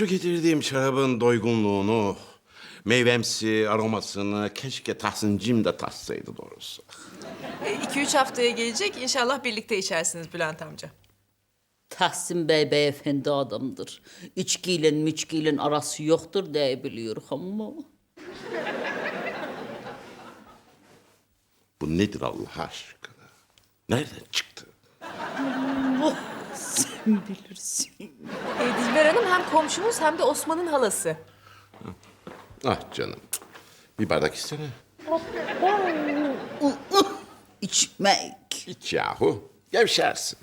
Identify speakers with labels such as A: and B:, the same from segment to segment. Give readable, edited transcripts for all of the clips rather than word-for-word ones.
A: Şu getirdiğim şarabın doygunluğunu, meyvemsi aromasını keşke Tahsin'cim de tatsaydı doğrusu.
B: 2-3 haftaya gelecek. İnşallah birlikte içersiniz Bülent amca.
C: Tahsin Bey beyefendi adamdır. İçkiyle müçkiyle arası yoktur diye biliyorum ama...
A: Bu nedir Allah aşkına? Nereden çıktı?
C: Allah sen bilirsin.
B: Dilber Hanım hem komşumuz hem de Osman'ın halası.
A: Ah canım. Bir bardak içsene.
C: İçmek.
A: İç yahu. Gevşersin.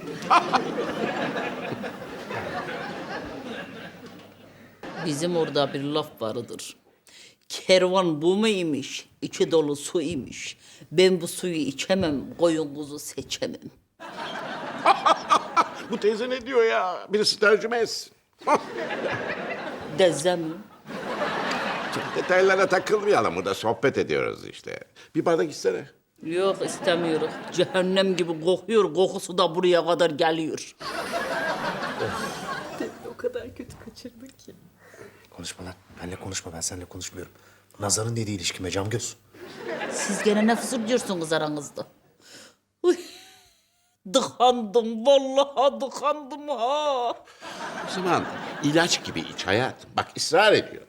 C: Bizim orada bir laf vardır. Kervan bu muymuş? İçi dolu su imiş. Ben bu suyu içemem, koyun kuzu seçemem.
A: Bu teyze ne diyor ya? Birisi tercüme etsin.
C: Dezem.
A: Çok detaylara takılmayalım. Burada sohbet ediyoruz işte. Bir bardak içsene.
C: Yok istemiyorum. Cehennem gibi kokuyor, kokusu da buraya kadar geliyor.
B: O kadar kötü kaçırdın ki.
D: Konuşma lan. Benle konuşma. Ben seninle konuşmuyorum. Nazar'ın dediği ilişkime cam göz.
C: Siz gene ne fısıldıyorsunuz aranızda? Uy, dıkandım, vallahi dıkandım ha.
A: O zaman ilaç gibi iç hayatım. Bak ısrar ediyor.